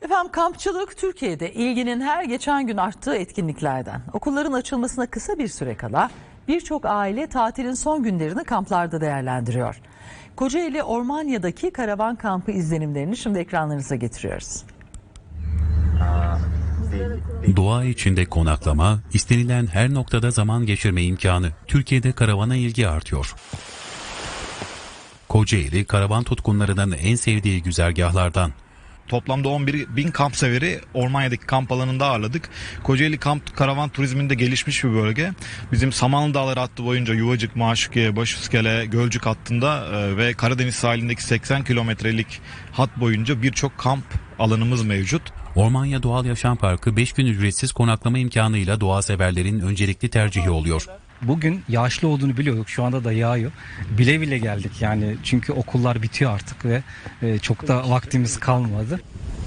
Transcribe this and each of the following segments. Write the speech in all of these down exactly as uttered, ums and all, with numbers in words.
Efendim kampçılık Türkiye'de ilginin her geçen gün arttığı etkinliklerden. Okulların açılmasına kısa bir süre kala birçok aile tatilin son günlerini kamplarda değerlendiriyor. Kocaeli Ormanya'daki karavan kampı izlenimlerini şimdi ekranlarınıza getiriyoruz. Doğa içinde konaklama, istenilen her noktada zaman geçirme imkanı. Türkiye'de karavana ilgi artıyor. Kocaeli, karavan tutkunlarının en sevdiği güzergahlardan. Toplamda on bir bin kamp severi Ormanya'daki kamp alanında ağırladık. Kocaeli kamp karavan turizminde gelişmiş bir bölge. Bizim Samanlı Dağları hattı boyunca Yuvacık, Maşukiye, Başiskele, Gölcük hattında ve Karadeniz sahilindeki seksen kilometrelik hat boyunca birçok kamp alanımız mevcut. Ormanya Doğal Yaşam Parkı beş gün ücretsiz konaklama imkanıyla doğa severlerin öncelikli tercihi oluyor. Bugün yağışlı olduğunu biliyorduk. Şu anda da yağıyor. Bile bile geldik yani çünkü okullar bitiyor artık ve çok da vaktimiz kalmadı.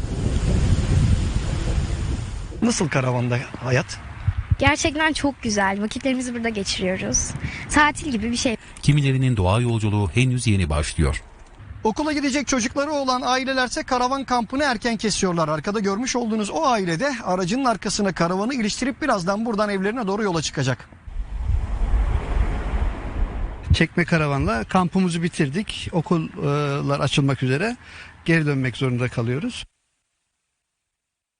Nasıl karavanda hayat? Gerçekten çok güzel. Vakitlerimizi burada geçiriyoruz. Tatil gibi bir şey. Kimilerinin doğa yolculuğu henüz yeni başlıyor. Okula gidecek çocukları olan ailelerse karavan kampını erken kesiyorlar. Arkada görmüş olduğunuz o ailede aracının arkasına karavanı iliştirip birazdan buradan evlerine doğru yola çıkacak. Çekme karavanla kampımızı bitirdik. Okullar açılmak üzere geri dönmek zorunda kalıyoruz.